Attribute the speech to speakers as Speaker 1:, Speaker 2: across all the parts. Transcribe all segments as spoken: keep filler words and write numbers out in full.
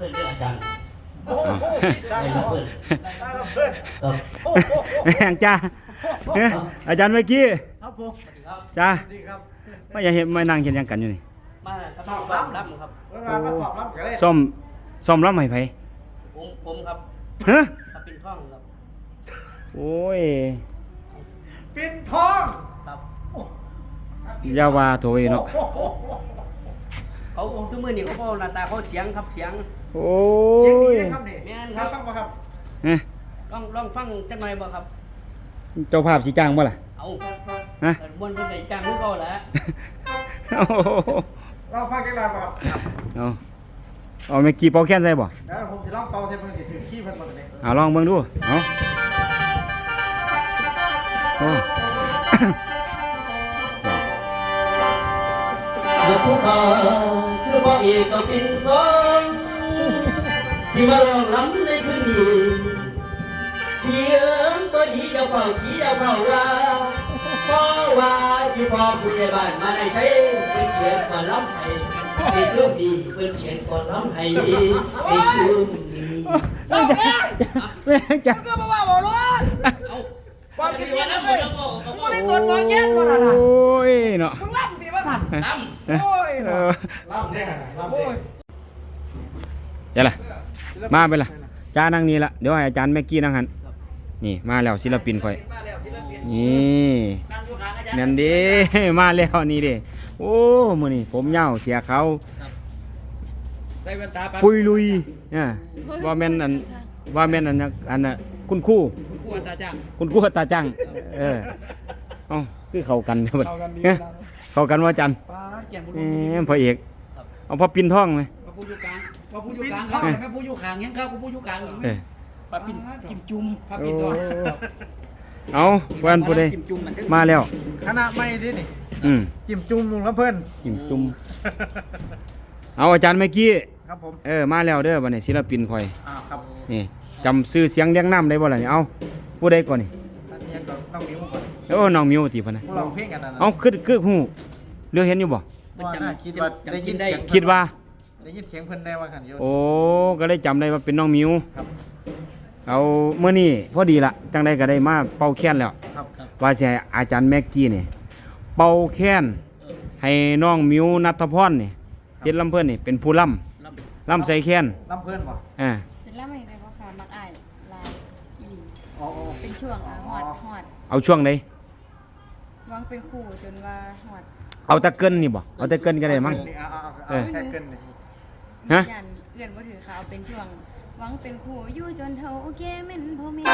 Speaker 1: พื่อนเรื่องอาจารย์
Speaker 2: โอ้โหสร้าง
Speaker 1: ได้รับเพื่อน
Speaker 2: ได้รับเพื่อน
Speaker 1: ครับ
Speaker 2: โอ้โห
Speaker 3: แม่งจ้าเอ้ยอาจารย์เมื่อกี้
Speaker 2: ครับผม
Speaker 1: ครับ
Speaker 3: จ้า
Speaker 2: สวัสดีครับ
Speaker 3: ไม่อยากเห็นไม่นั่งเห็นหยังกันอยู่นี่
Speaker 1: มาสอบรับรับครับ
Speaker 2: เวลามาสอบรับกันเลย
Speaker 3: ซ่อมซ่อมรับให้ไผ
Speaker 1: ผมผมครับ
Speaker 3: ฮะ
Speaker 1: ถ้าเป็นท่องครับ
Speaker 3: โอ้ย
Speaker 2: ปิ่นทอง
Speaker 1: ครับ
Speaker 3: อยาว่าโถยเนาะ
Speaker 2: โอ้โห
Speaker 1: เขาผมทุกมือนี่เขาบอกหน้าตาเขาเสียงครับเสียง
Speaker 3: โอ้
Speaker 2: เสียงดี
Speaker 3: ย
Speaker 2: นะครับนี่
Speaker 1: แม่นครับ
Speaker 2: ฟังมาครับ
Speaker 3: เอ้ย
Speaker 1: ลองลองฟังจังหน่อยบ่ครับ
Speaker 3: เจ้าภาพสิจ้างบ่ล่ะ
Speaker 1: เอา
Speaker 3: ฮะ
Speaker 1: เปิดมวนเพิ่นได้จ้างคือเก่าแหละ
Speaker 3: โอ้โห
Speaker 2: เราฟังกันได้ป่ะครับ
Speaker 3: เอาเอาเมื่อกี้เป่าแค้นใส่บ่
Speaker 2: แล้วผมจะลองเป่าใส่มือสิถือขี้เพิ่นมาเลย
Speaker 3: เอาลองเบิ่งดูเอาโอ้
Speaker 1: ยกภูเขาคือบ่อีกก็ปินทองสิมาลองล้ำในคืนนี้เสียงบ่ดีเจ้าเฝ้าดีเจ้าเฝ้าว่าเพราะว่าที่พ่อผู้ใหญ่บ้านมาได้ใช้เป็นเขียนก่อนล้ำให้ในเรื่องดีเป็นเขียนก่อนล้ำให้ในเรื่องนี้
Speaker 2: สองเนี่ย
Speaker 3: แม่งจ้า
Speaker 2: ก็มาว่าบอกเลย
Speaker 1: เอา
Speaker 2: ความคิด
Speaker 1: ว่า
Speaker 2: เห็น
Speaker 1: ล้ำ
Speaker 2: เล
Speaker 1: หม
Speaker 2: ย
Speaker 1: ดแล้วบ่เขา
Speaker 2: กู
Speaker 1: บ่
Speaker 2: ได้ตรวจหมอแย่มาแล้วนะ
Speaker 3: โอ้ยเนาะ
Speaker 2: มึงรับดีมาผ่าน
Speaker 1: ล้
Speaker 2: โอ้ย
Speaker 3: เอ
Speaker 2: เนาะ
Speaker 3: อ
Speaker 2: รับได้รับได้
Speaker 3: เจ้าล่ะมาไปล่ะจ้านั่งนี่ละเดี๋ยวให้อาจารย์แม็กกี้นั่งหันนี่มาแล้วศิลปินข่อย
Speaker 2: มาแล้วศิลปิน
Speaker 3: นี่
Speaker 2: นั่งอยู่ข้างอาจารย์
Speaker 3: นั่นเด้ มาแล้วนี่เด้โอ้มื้อนี้ผมยาวเสียเขาว
Speaker 2: ใส่แว่นตาปัด
Speaker 3: ปุยลุยอ่าว่าแม่นอันว่าแม่นอันน่ะอันน่ะคุณครู
Speaker 2: ขวดตาจ้าง
Speaker 3: คุณครูตาจังเออเอ้าคือเข้ากันเด้อบัด
Speaker 2: เข้ากันดี
Speaker 3: เอ้ย
Speaker 2: นะ
Speaker 3: เข้ากันว่าจัน
Speaker 2: ป้าแก่บุญ
Speaker 3: แหมพระเอกเอาพอปินท่องไหม
Speaker 2: พระผู้อยู่กลางพระผู้อยู่กลางเข้าแม่ผู้อยู่ข้างยังเข้าผู้อยู่กลางอยู่
Speaker 3: เออ
Speaker 1: ำปลาปิ่นจิ้มจุ่ม
Speaker 2: พระ
Speaker 3: โอ้
Speaker 2: ปิ่นตัว
Speaker 3: เอาวันผู้ใด
Speaker 1: จิ้มจุ่มมันถึง
Speaker 3: มาแล้ว
Speaker 2: คณะไม่ดินี่
Speaker 3: อืม
Speaker 2: จิ้มจุ่มลุงแล้วเพื่อน
Speaker 3: จิ้มจุ่มเอาอาจารย์เมื่อกี้
Speaker 2: ครับผม
Speaker 3: เออมาแล้วเด้อบัดนี้ศิลปินข่อย
Speaker 2: อ่าครับ
Speaker 3: นี่จำชื่อเสียงเรียงน้ำได้บ่ล่ะนี่เอาผู้ใดก่อนนี่
Speaker 2: อันนี้ก็ต้องนิ้วก่อน
Speaker 3: โอ้น้องมิวติพะนะ
Speaker 2: พวกเราเพลงกันนะ
Speaker 3: เอาคือคือฮู้เรื่องเห็นอยู่บ่
Speaker 2: ว่าน่าคิดว่าได้ยินเสียง
Speaker 3: คิดว่า
Speaker 2: ได้ยินเสียงเพิ่นได้ว่าขันโยน
Speaker 3: โอ้ก็เลยจำได้ว่าเป็นน้องมิว
Speaker 2: ครับ
Speaker 3: เอาเมื่อนี้พอดีละจังได้ก็ได้มาเป่าแค้นแล้ว
Speaker 2: ครับครับ
Speaker 3: ว่าสิให้อาจารย์แม็กกี้นี่เป่าแค้นให้น้องมิวนัทพรนี่เพชรลำเพิ่นนี่เป็นผู้ล่ำ
Speaker 1: ลำ
Speaker 3: ล่ำใส่แค้น
Speaker 2: ลำเพิ่นบ่
Speaker 3: อ่า
Speaker 4: เป็นล่ำอะไรพ่อค่ะมักอายลายอีหลี
Speaker 2: อ๋ออ๋อ
Speaker 4: เป็นช่วงอ่ะหอดหอด
Speaker 3: เอาช่วงใด
Speaker 4: วางเป็นคู่จนว่าหอด
Speaker 3: เอาแตะเกินนี่บ่เอาแตะเกินก็ได้มั้ง
Speaker 2: นี่เอาเอา
Speaker 3: เอ
Speaker 2: เอา
Speaker 3: อ
Speaker 2: แค่เกินนี่
Speaker 3: ฮะ
Speaker 4: ยันเอื่อนบ่ถือเขาเอาเป็นช่วงหวังเป็นคู่อยู่จนเท่าโอเคแม่นพ่อแม่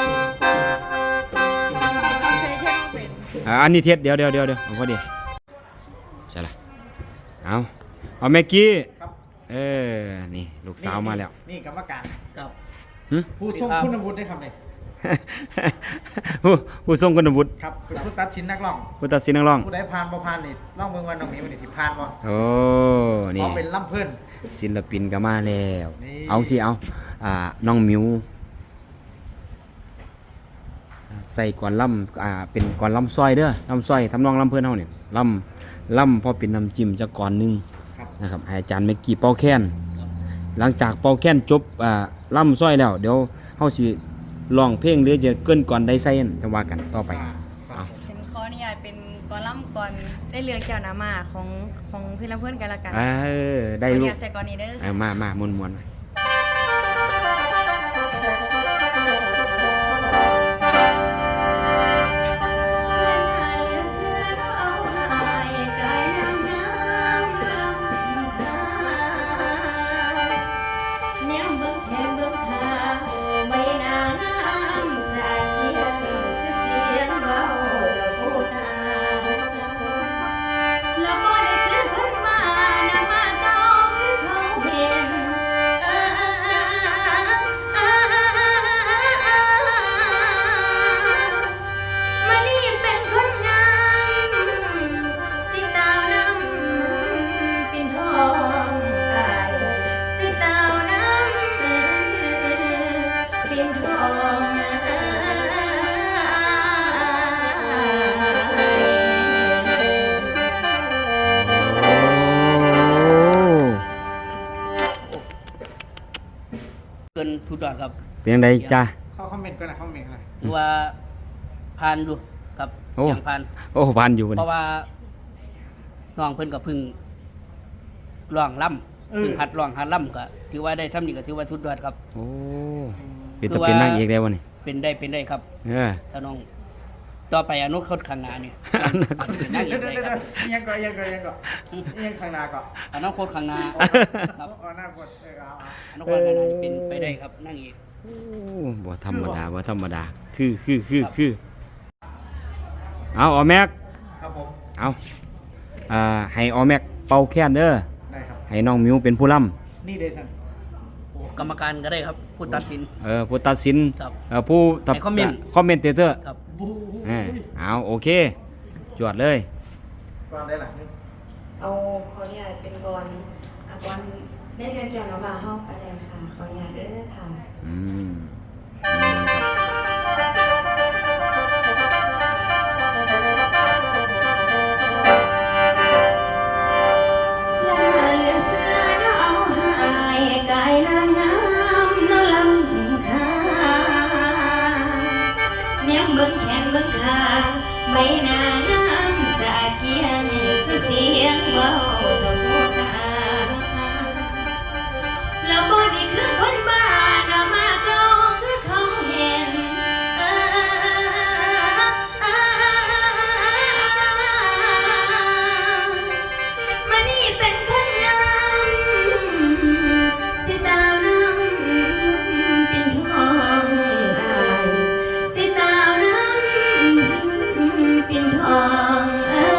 Speaker 4: เราใช้แค่เป็น
Speaker 3: อ่าอันนี้เทสเดี๋ยวเดี๋ยวเดี๋ยวเดี๋ยวเอาพอดีใช่ละเอาเอาแม็กกี้
Speaker 2: ครับ
Speaker 3: เออนี่ลูกสาวมาแล้ว
Speaker 2: นี่กรรมการ
Speaker 1: กับ
Speaker 3: หึ
Speaker 2: ผู้ทรงคุณวุฒิได้คำเลย
Speaker 3: ผู้ผู้ทรงคุณวุฒิ
Speaker 2: ครับเป็นผู้ตัดสินนักร้อง
Speaker 3: ผู้ตัดสินนักร้อง
Speaker 2: ผู้ใดผ่านบ่ผ่านนี่ร้องเบิ่งวันน้องนี้มันนี่สิผ่านบ่
Speaker 3: โอ้
Speaker 2: เพ
Speaker 3: นี่
Speaker 2: ราะเป็นลำเพิ่น
Speaker 3: ศิลปินก็มาแล้ว
Speaker 2: นี่
Speaker 3: เอาสิเอาอ่าน้องมิวใส่ก่อนล่ำอ่าเป็นก่อนล่ำซอยเด้อล่ำซอยทำนองล่ำเพื่อนเฮาเนี่ยล่ำล่ำพอเป็นน้ำจิ้มจะก่อนหนึง
Speaker 2: ครับ
Speaker 3: นะครับให้อาจารย์เมกกี้เป่าแค้นหลังจากเป่าแค้นจบอ่าล่ำซอยแล้วเดี๋ยวเฮาสิร้องเพลงหรือจะเกินก่อนได้ใส่นั่นจะว่ากันต่อไป
Speaker 2: อ่า
Speaker 3: เอา
Speaker 4: เป็นขออนุญาตเป็นกอล่ำก่อนได้เรือแก้วน้ำมาของของเพื่อนเพื่อนกันละกัน
Speaker 3: เออได้
Speaker 4: ขออนุ
Speaker 3: ลูก
Speaker 4: ญาตใส่ก่อนนี้เด้อ
Speaker 3: เออมามามวนมวนๆ
Speaker 5: ดยอดครับ
Speaker 3: เป็นจังไดจ้า
Speaker 2: เข้าคอมเมนต์ก็นะคอมเมนต์อะไร
Speaker 5: ถือว่าผ่านอยู่ครับ
Speaker 3: โอ้
Speaker 5: เสียงผ่าน
Speaker 3: โอ้พันอยู่
Speaker 5: เพ
Speaker 3: นี่
Speaker 5: ราะว่าน้องเพิ่นก็เพึ่งร้องล่ำเพึ่งหัดร้องหัดล่ำก็ถือว่าได้ซ้ำนี่ก็ถือว่าสุดยอดครับ
Speaker 3: โอ้เป็นตะเป็นนางเอกได้บ่นี่
Speaker 5: เป็นได้เป็นได้ครับ
Speaker 3: เออ
Speaker 5: ถ้าน้องต่อไปอนุคตข้างหน้านี่เป็นนางเอ
Speaker 2: เดี๋ย
Speaker 5: ก
Speaker 2: ว
Speaker 5: ได้
Speaker 2: เดี๋ยว
Speaker 5: ค
Speaker 2: เดี๋
Speaker 5: รั
Speaker 2: ย
Speaker 5: บ
Speaker 2: วยังก็ยังก็ยังก็ยังข้างหน้าก็
Speaker 5: อนาคตข้างหน้าครับ
Speaker 2: อ๋อหน้ากดเออเอาเอา
Speaker 5: อนาคตข้างหน้านี่เป็นไปได้ครับนางเอก
Speaker 3: โอ้บ่ธรรมดาบ่ธรรมดา คือคือคือคือเอาออแม็ก
Speaker 2: ครับผม
Speaker 3: เอาอ่าให้ออแม็กเป่าแค้นเด้อ
Speaker 2: ได้ครับ
Speaker 3: ให้น้องมิวเป็นผู้ล่
Speaker 2: นี่เดชัน
Speaker 5: โอ้กรรมการก็ได้ครับผู้ตัดสิน
Speaker 3: ำเออผู้ตัดสิน
Speaker 5: ครับ
Speaker 3: เออผู้ตัด
Speaker 5: ให้คอมเมนต์
Speaker 3: คอมเมนเตเตอร์
Speaker 5: ครับ
Speaker 2: บู
Speaker 3: เออเอาโอเค จวดเลย
Speaker 2: ก่อนได้หลังนึง
Speaker 4: เอาขออนุญาตเป็นกรอ่ะกรได้เรียนเกี่ยวกับมาเข้าไปเลยค่ะขออนุญาตเด้อค่ะ
Speaker 3: อืม
Speaker 4: อย่าเหลือเสือเนาะเอาหายกายนางงามเนาะลำคาแนมเบิ่งแขนเบิ่งขาใบหน้างามสะเกียงคือเสียงเว้าเจ้าผู้ขาแล้วบ่ได้คือคนบ้าเนาะมาเก่าคือเขาเห็นเออ มันนี่เป็นคนงามสิตาวน้ำเป็นทองอายสิตาวน้ำเป็นทองอาย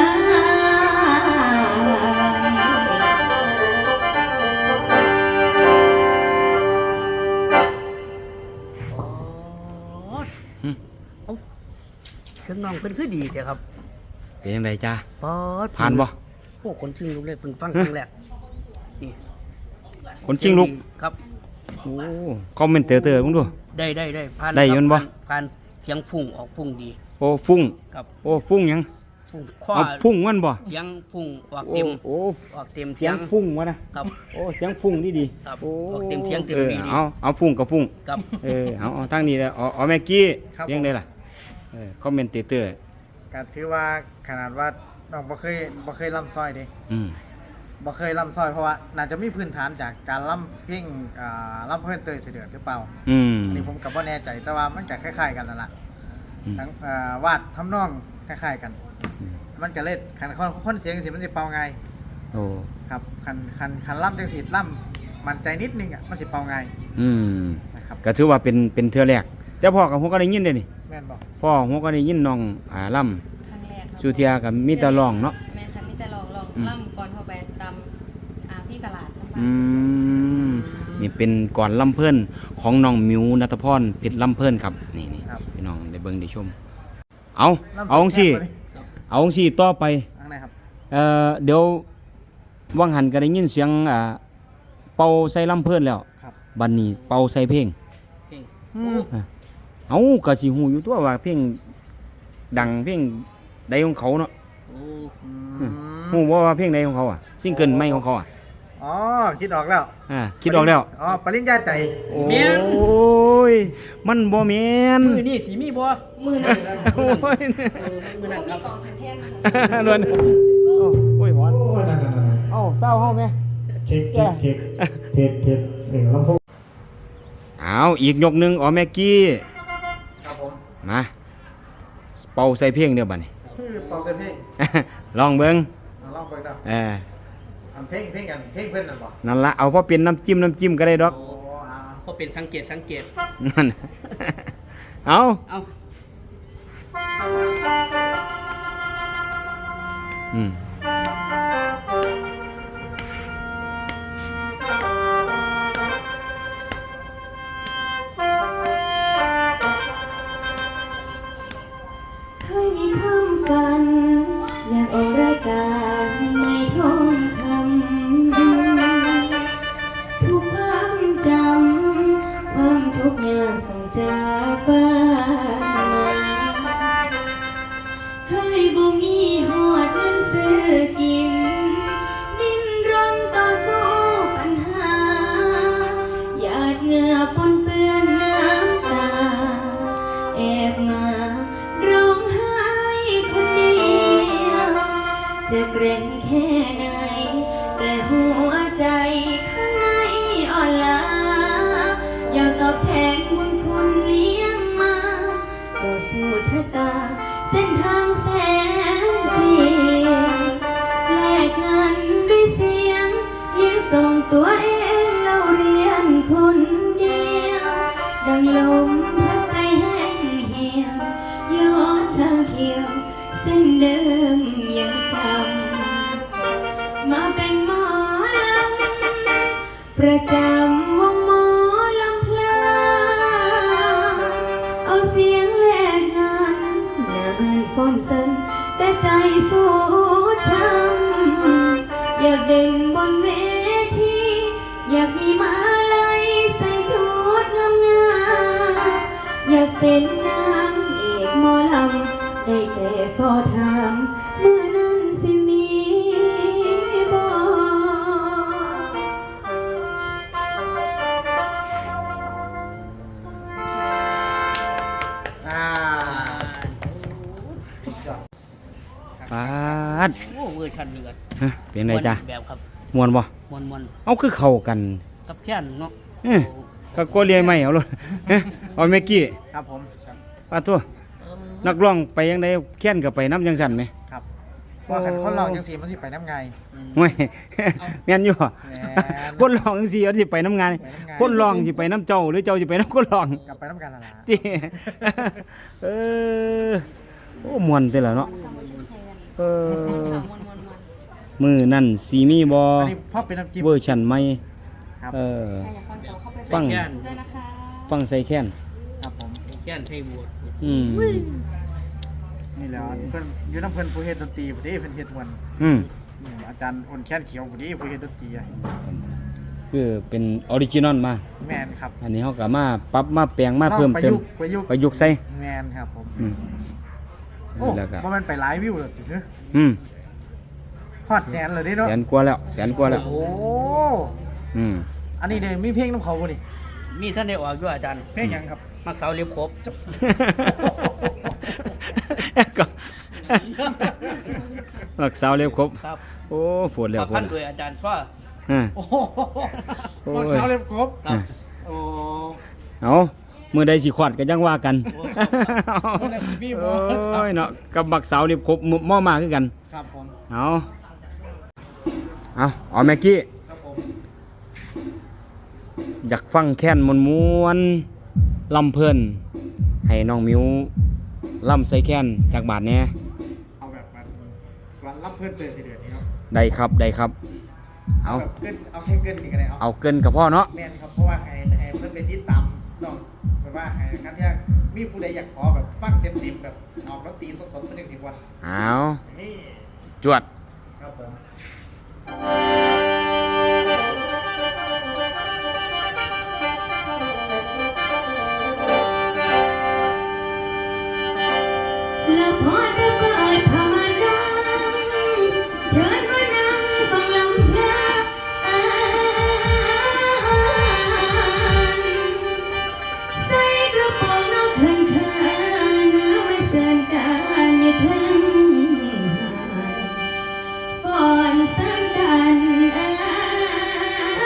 Speaker 5: เครื่องน้องเพิ่นคือดีเจ้ครับ
Speaker 3: เป็นยังไงจ้า
Speaker 5: ป๊อด
Speaker 3: ผ่านบ่
Speaker 5: โอ้คนจริงลูกเลยเพิ่งฟังครั้งแรกนี่
Speaker 3: คนจริงลูก
Speaker 5: ครับ
Speaker 3: โอ้คอมเมนเตเตอร์มึงดู
Speaker 5: ได้ได้ได้ผ่าน
Speaker 3: ได้อยู่
Speaker 5: ครับ
Speaker 3: บ่
Speaker 5: ผ่านผ่านเสียงฟุ้งออกฟุ้งดี
Speaker 3: โอ้ฟุ้ง
Speaker 5: ครับ
Speaker 3: โอ้ฟุ้งหยัง
Speaker 5: ฟุ้งข้อ
Speaker 3: เอาฟุ้งมันบ่
Speaker 5: เสียงฟุ้งออก
Speaker 3: โอ้
Speaker 5: เต็ม
Speaker 3: โอ้
Speaker 5: ออกเต็ม
Speaker 3: เสียงฟุ้งวะนะครับ โอ้เสียงฟุ้งนี่ดี
Speaker 5: ครับ
Speaker 3: โอ้
Speaker 5: ออกเต็มเสียงเต็ม
Speaker 3: ออ
Speaker 5: ดีดี
Speaker 3: เอาเอาฟุ้งกับฟุ้ง
Speaker 5: ครับ
Speaker 3: เออเอาเอาทางนี้เลยเอาเอาแม็กกี้เลี้ยงได้ล่ะเออคอมเมนเตเตอร์
Speaker 2: ก็ถือว่าขนาดว่าน้องบ่เคยบ่เคยล่ำซอยเด้
Speaker 3: อืม
Speaker 2: บ่เคยล่ำซอยเพราะว่าน่าจะมีพื้นฐานจากการล่ำเพลงอ่าล่ำเพื่อนเตยเสด็จหรือเปล่า
Speaker 3: อืม
Speaker 2: อันนี้ผมกับว่าแน่ใจแต่ว่ามันจะคล้ายๆกันนั่นแหละ
Speaker 3: อืม
Speaker 2: สังเอ่อวาดทำนองคล้ายๆกัน มันก็เล่นคันคนคนเสียงสิมันสิเป่าไง
Speaker 3: โอ้
Speaker 2: ครับคันคันคันล่ำจังสีล่ำมันใจนิดนึงอ่ะมันสิเป่าไง
Speaker 3: อืม
Speaker 2: นะครับ
Speaker 3: ก็ถือว่าเป็นเป็นเทื่อแรกแต่พ่อกับผมก็ได้ยินเด้นี่
Speaker 2: แม่นบอก
Speaker 3: พ่อผมก็ได้ยินน้องอ่าล่ำ
Speaker 4: ครั้งแรกครับ
Speaker 3: สุเทียกับมีแต่ร้องเนาะ
Speaker 4: แม่ค่ะมีแต่ลองลอง
Speaker 3: อืม
Speaker 4: ล่ำก่อนเข้าไปตามอ่าพี่ตลาดน้ำปลา
Speaker 3: อืมนี่เป็นก่อนล่ำเพิ่นของน้องมิวนัทพรเพชรล่ำเพิ่นครับนี่นี่
Speaker 2: ครับ
Speaker 3: พี่น้องได้เบิ่งได้ชม เอา
Speaker 2: ล่ำ
Speaker 3: เอาจังซี่
Speaker 2: แค่ตัวนี้
Speaker 3: เอาจังซี่ต่อไป
Speaker 2: อันไหนครับ
Speaker 3: เอ่อเดี๋ยววังหันก็ได้ยินเสียงอ่าเป่าใส่ล่ำเพิ่นแล้ว
Speaker 2: ครับ
Speaker 3: บัดนี้เป่าใส่เพลง
Speaker 5: เพลง
Speaker 2: อืม
Speaker 3: เอาก็สิฮู้อยู่ตัวว่าเพลงดังเพลงใดของเขาเนาะ
Speaker 5: โอ้
Speaker 2: อืม
Speaker 3: ฮู้บ่ว่าเพลงใดของเขาอ่ะซิงเกิลใหม่ของเขาอ่ะ
Speaker 2: อ๋อคิดออกแล้ว
Speaker 3: อ่าคิดออกแล้ว
Speaker 2: อ๋อปริญญาใจ
Speaker 3: โอ้ยมันบ่แม่น
Speaker 5: มือนี่สีมีบ่
Speaker 4: มือนั่น
Speaker 3: โอ้ย
Speaker 5: เออมือนั่น
Speaker 4: มี
Speaker 5: ครับ
Speaker 4: กองแผ่นแท่น
Speaker 3: ล้วนโอ้ยหอนเอ้าเศร้าเฮาแม่
Speaker 6: เช็คเช็คเช็คเทสเทสเสียงลำโพง
Speaker 3: เอาอีกยกหนึงอ๋อแม็กกี้
Speaker 2: ครับผม
Speaker 3: มาเป่าใส่เพลงเด้อบัดนี้
Speaker 2: คือเป่าเสียงเพลง
Speaker 3: ลองเบิ่ง
Speaker 2: เอาลองไปครับ
Speaker 3: เออ
Speaker 2: ทำเพลงเพลงกันเพลงเพื่อนน่ะบอก
Speaker 3: นั่นละเอาพอเป็นน้ำจิ้มน้ำจิ้มก็ได้ดอก
Speaker 2: โอ้เอา
Speaker 5: พอเป็นสังเกตสังเกต
Speaker 3: นั่น เอา
Speaker 5: เอา
Speaker 3: อืม
Speaker 4: เคยมีความฝัน อยากออกรายการไม่ท้องคำทุกความจำความทุกข์ยากต้องจากบ้านมาเคยบ่มีหอดเงินซื้อกินจะเกรงแค่ไหนแต่หัวใจข้างในอ่อนล้าอยากตอบแทนบุญคุณเลี้ยงมาต่อสู้ชะตาเส้นทางแสนเปลี่ยวแลกเงินด้วยเสียงยืนส่งตัวเองเราเรียนคนเดียวดังลมพัดใจแห้งเหี่ยวย้อนทางเขียวเส้นเดิมยังจำมาเป็นหมอลำประจำวงหมอลำเพลินเอาเสียงแลกกันนานฟอนเซนแต่ใจสู้ช้ำอยากเด่นบนเวทีอยากมีมาลัยใส่ชุดงามๆอยากเป็นนางเอกหมอลำได้แต่ฟอถามเมื่อนั้นสิมีบ่
Speaker 2: อ่า
Speaker 3: ปาด
Speaker 5: โอ้เวอร์ชันนี้ก็
Speaker 3: ฮะเป็นไงจ้ะ
Speaker 5: แบบครับ
Speaker 3: ม่วนบ่
Speaker 5: มวนมวน
Speaker 3: เอาคือเข้ากัน
Speaker 5: ๆกับแค่นเนาะ
Speaker 3: เอ้ย ก็กลัวเลียไม่เอาเลยเอ้ยเอาเมกกี้
Speaker 2: ครับผม
Speaker 3: ปาตัวนักร้องไปยังไดแค้นก็ไปน้ำจังสั่นไหม
Speaker 2: ครับว่าคันคนเราจังสีมันสิไปน้ำไง
Speaker 3: ไม่ แม่นอยู่บ่
Speaker 2: แม่น
Speaker 3: คนร้องจังซี่เอาสิไปน้ำงาน
Speaker 2: ไปน้ำงาน
Speaker 3: คนร้องสิไปน้ำเจ้าหรือเจ้าสิไปน้ำคนร้อง
Speaker 2: กลับไปน้ำกันละล่ะ
Speaker 3: จิเออโอ้ม่วนแต่ละเนาะเออมือนั่นสีมีบ่
Speaker 2: อันนี้พ่อเป็นน้ำจิ้ม
Speaker 3: เวอร์ชันใหม่
Speaker 2: ครับ
Speaker 3: เออฟัง
Speaker 5: แค่น
Speaker 3: ฟังใส่แค้น
Speaker 2: ครับผม
Speaker 5: แค่นไทยบวช
Speaker 3: อืม
Speaker 2: นี่แหล้วเพิ่นอยู่น้ำเพิ่นผู้เฮ็ดดนตรีผู้ที่เพิ่นเฮ็ดมวน
Speaker 3: อืม
Speaker 2: อืมอาจารย์อ่อนแค้นเขียวผู้ที่ผู้เฮ็ดดนตรีอะ
Speaker 3: คือเป็นออริจินอลมา
Speaker 2: แม่นครับ
Speaker 3: อันนี้เขาก็มาปรับมาแปลงมาเพิ่ม
Speaker 2: ประ
Speaker 3: เติม
Speaker 2: ยุกต์ประยุกต์
Speaker 3: ประยุกต์ใส่
Speaker 2: แม่นครับผม
Speaker 3: อืม
Speaker 2: โอ้
Speaker 3: แล้วก็
Speaker 2: ว่ามันไปหลายวิวแล้วติเด้อ
Speaker 3: อืม
Speaker 2: ฮอดแสนเลยเด้เนาะ
Speaker 3: แสนกว่าแล้วแสนกว่าแล้ว
Speaker 2: โอ้
Speaker 3: อืม
Speaker 2: อันนี้เด้มีเพลงน้ำเขาบ่นี่
Speaker 5: มีท่านได้ออกด้วยอาจารย์
Speaker 2: เพลงหยังครับ
Speaker 5: มักสาวเรียบครบ
Speaker 3: ก็รักสาวเร็วครบ
Speaker 5: ครับ
Speaker 3: โอ้ปวดแล้ว
Speaker 5: มา
Speaker 3: ปว
Speaker 5: พั
Speaker 3: ด
Speaker 5: น
Speaker 3: แล้ว
Speaker 5: โดยอาจารย์ฟ้า
Speaker 3: อ่า
Speaker 2: โอ้โห
Speaker 3: โอ้ย
Speaker 2: มักสาวเล็บครบ
Speaker 5: ครับ
Speaker 2: โอ้
Speaker 3: เอามือใดสิขวัดก็ยังว่ากัน
Speaker 2: มื้อนั้นสิมีบ่
Speaker 3: โอ้ยเนาะกับบักสาวเร็วครบหม้อมาคือกัน
Speaker 2: ครับผม
Speaker 3: เอาเอาเอาแม็กกี้
Speaker 2: ครับผม
Speaker 3: อยากฟังแค้นมวนมวนๆลำเพลินให้น้องมิวลำใส่แค้นจากบาทแหน่
Speaker 2: เอาแบบมันวันรับเพื่อนเตือนสิเดือนนี้เนาะ
Speaker 3: ได้ครับได้ครับ เอา
Speaker 2: แบบเกินเอาแค่เกินนี่ก็ได้เอา
Speaker 3: เอาเกินกับพ่อเนาะ
Speaker 2: แม่นครับเพราะว่าให้ให้เพื่อนไปติดตามน้องแบบว่าให้ครับที่มีผู้ใดอยากขอแบบฟังเต็มๆแบบออกดนตรีสดๆเป็นหนึ่งสิบวัน
Speaker 3: เอา
Speaker 2: นี่
Speaker 3: จวด
Speaker 2: ครับผม
Speaker 4: แล้วพอได้เปิดผ้าม่านดังเชิญมานั่งฟังลำเพลินใส่กระโปรงนอกเขินเขินเนื้อไม่เสื่อนกันอยู่ทั้งหาดฟอนซ้ำกัน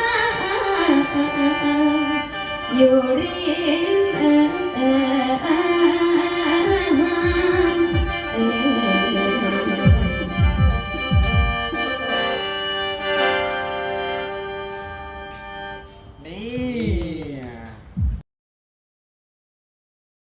Speaker 4: อยู่ริมเอ่อ